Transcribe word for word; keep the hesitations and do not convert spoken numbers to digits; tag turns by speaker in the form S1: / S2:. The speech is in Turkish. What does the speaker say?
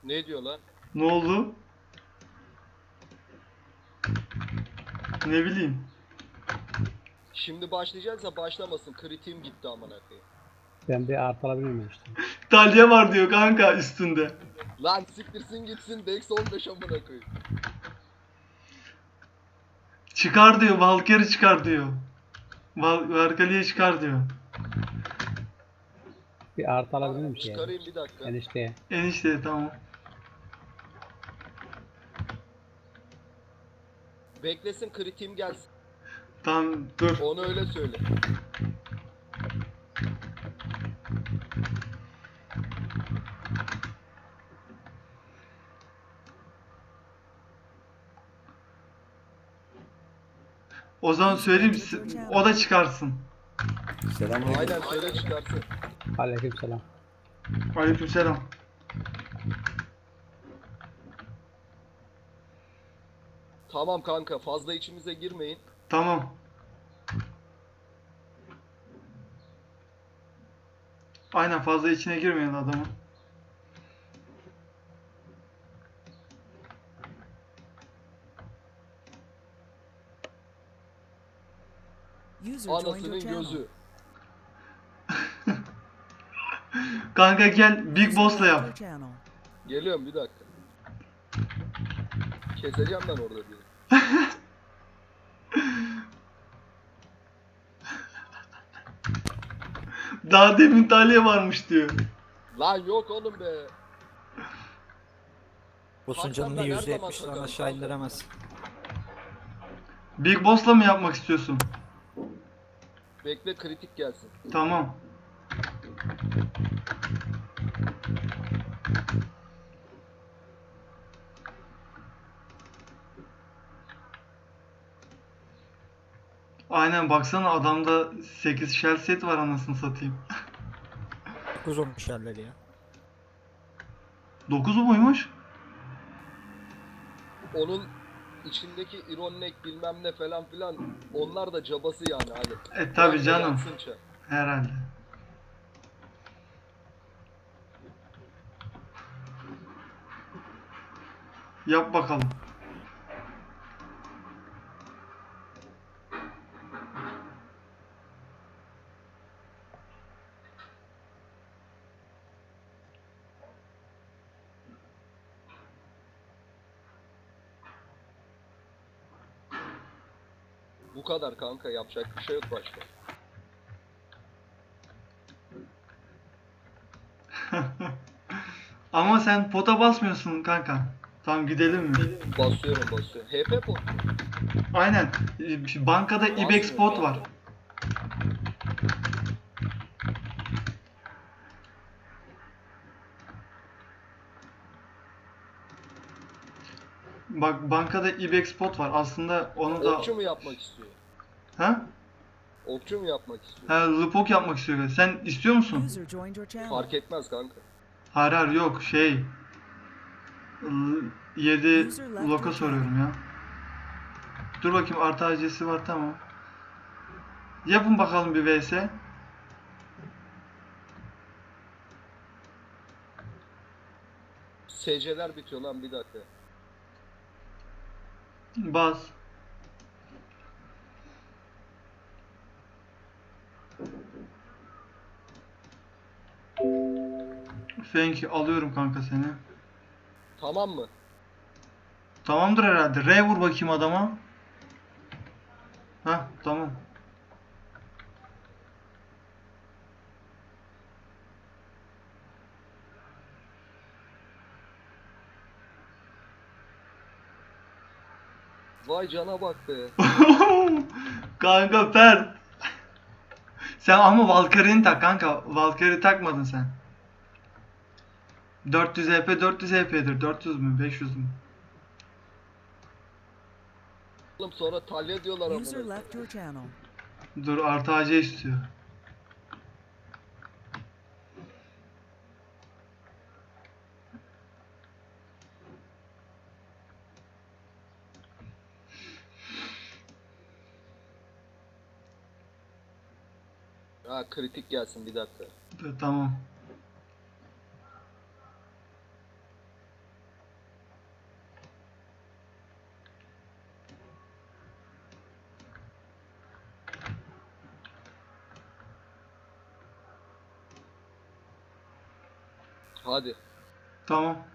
S1: Ne diyor lan?
S2: Ne oldu? Ne bileyim.
S1: Şimdi başlayacaksa başlamasın. Kritiğim gitti amına koyayım.
S3: Ben bir artı alabilir miyim işte?
S2: Dalya var diyor kanka üstünde.
S1: Lan siktirsin gitsin. Dex on beş amına koyayım.
S2: Çıkar diyor. Valkyrie çıkar diyor. Val Valkyrie'yi çıkar diyor.
S3: Bir artı alabilir miyim şeye?
S1: Çıkarayım bir dakika.
S3: Enişteye.
S2: Enişte tamam.
S1: Beklesin kritiğim gelsin.
S2: Tamam dur.
S1: Onu öyle söyle.
S2: O zaman söyleyeyim o da çıkarsın.
S4: Selamünaleyküm.
S1: Aynen söyle çıkarsın.
S3: Aleykümselam.
S2: Aleykümselam.
S1: Tamam kanka fazla içimize girmeyin.
S2: Tamam. Aynen fazla içine girmeyin adamın.
S1: Anasının gözü.
S2: Kanka gel Big Boss'la yap.
S1: Geliyorum bir dakika. Keseceğim ben orada bir.
S2: Daha demin Talya varmış diyor.
S1: Lan yok oğlum be.
S4: Boss'un
S1: Hakan
S4: canını
S1: ben her
S4: yüzde
S1: zaman
S4: yetmişten
S1: sakarım
S4: aşağı
S1: kanka.
S4: indiremez.
S2: Big Boss'la mı yapmak istiyorsun?
S1: Bekle kritik gelsin.
S2: Tamam. Aynen baksana adamda sekiz shell set var anasını satayım.
S4: dokuz olmuş yerleri ya.
S2: dokuzu muymuş?
S1: Onun içindeki ironek bilmem ne falan filan onlar da cabası yani hadi.
S2: E tabi
S1: Bırak da
S2: canım.
S1: yansın çar.
S2: Herhalde. Yap bakalım.
S1: Bu kadar kanka yapacak bir şey yok başka.
S2: Ama sen pota basmıyorsun kanka. Tamam gidelim mi?
S1: Basıyorum basıyorum. H P pot.
S2: Aynen. E, Bankada ibex pot var. Bak bankada ibex pot var. Aslında onu da...
S1: Okçu mu yapmak istiyor?
S2: Ha?
S1: Okçu mu yapmak istiyor?
S2: Ha, Lupok yapmak istiyor. Sen istiyor musun?
S1: Fark etmez kanka.
S2: Hayır hayır yok şey. yedi loka soruyorum ya. Dur bakayım artı acesi var tamam. Yapın bakalım bir vs.
S1: S C'ler bitiyor lan bir dakika.
S2: Bas. Thank you. Alıyorum kanka seni.
S1: Tamam mı?
S2: Tamamdır herhalde. R vur bakayım adama. Heh tamam.
S1: Vay cana bak be.
S2: Kanka Fer. Sen ama Valkyrie'ni tak kanka. Valkyrie takmadın sen. dört yüz E P dört yüz E P'dir. dört yüz mü? beş yüz mü?
S1: Oğlum sonra talya diyorlar amına.
S5: User left your channel.
S2: Dur artı A C istiyor.
S1: Ha kritik gelsin bir dakika.
S2: Dur, tamam.
S1: Hadi.
S2: Tamam.